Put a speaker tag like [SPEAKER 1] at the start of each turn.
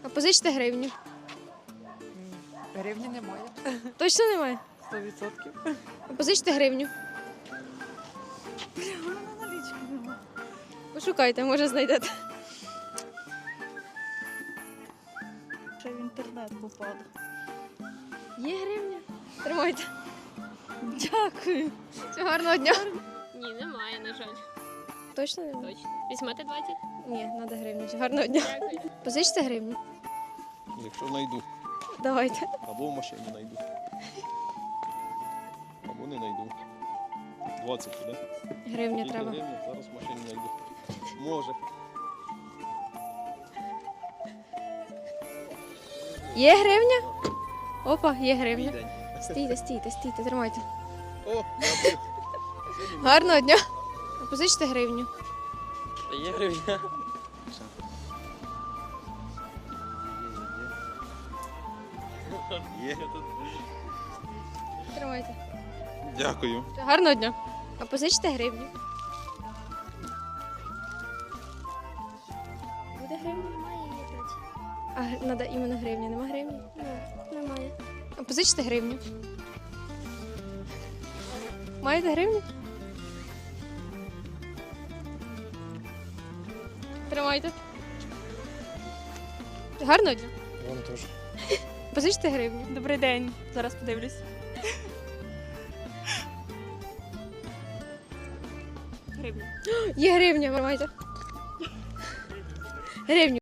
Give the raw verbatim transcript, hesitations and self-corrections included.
[SPEAKER 1] А позичте гривню.
[SPEAKER 2] Гривні немає.
[SPEAKER 1] Точно немає?
[SPEAKER 2] Сто відсотків.
[SPEAKER 1] А позичте гривню.
[SPEAKER 2] Вона налічки немає.
[SPEAKER 1] Пошукайте, може знайдете.
[SPEAKER 2] Ще в інтернет попав.
[SPEAKER 1] Є гривня? Тримайте.
[SPEAKER 2] Дякую.
[SPEAKER 1] Всього гарного дня.
[SPEAKER 3] Ні, немає, на жаль.
[SPEAKER 1] Точно немає?
[SPEAKER 3] Точно. Візьмете двадцять?
[SPEAKER 1] Ні, треба гривню. Всього гарного дня.
[SPEAKER 3] Дякую.
[SPEAKER 1] Позичте гривню.
[SPEAKER 4] Якщо знайду,
[SPEAKER 1] Давайте.
[SPEAKER 4] або в машині знайду. Або не знайду. двадцять, так?
[SPEAKER 1] Гривню
[SPEAKER 4] Тільки
[SPEAKER 1] треба.
[SPEAKER 4] гривні, зараз в машині знайду. Може.
[SPEAKER 1] Є гривня? Опа, є гривня.
[SPEAKER 4] Мій день.
[SPEAKER 1] Стійте, стійте, стійте, тримайте.
[SPEAKER 4] О, дякую.
[SPEAKER 1] Гарного дня. А позичте гривню.
[SPEAKER 5] Є гривня.
[SPEAKER 4] Є.
[SPEAKER 1] Тримайте.
[SPEAKER 4] Дякую.
[SPEAKER 1] Гарного дня. А позичте гривню. Буде гривня?
[SPEAKER 6] Немає її тут.
[SPEAKER 1] А треба іменно гривня. Нема гривні?
[SPEAKER 6] Ну, немає.
[SPEAKER 1] А позичте гривню. Маєте гривню? Тримайте. Гарного дня.
[SPEAKER 5] Вам теж.
[SPEAKER 1] Позичте гривню.
[SPEAKER 2] Добрий день. Зараз подивлюсь. Гривні.
[SPEAKER 1] Є гривня, тримайте. Гривню.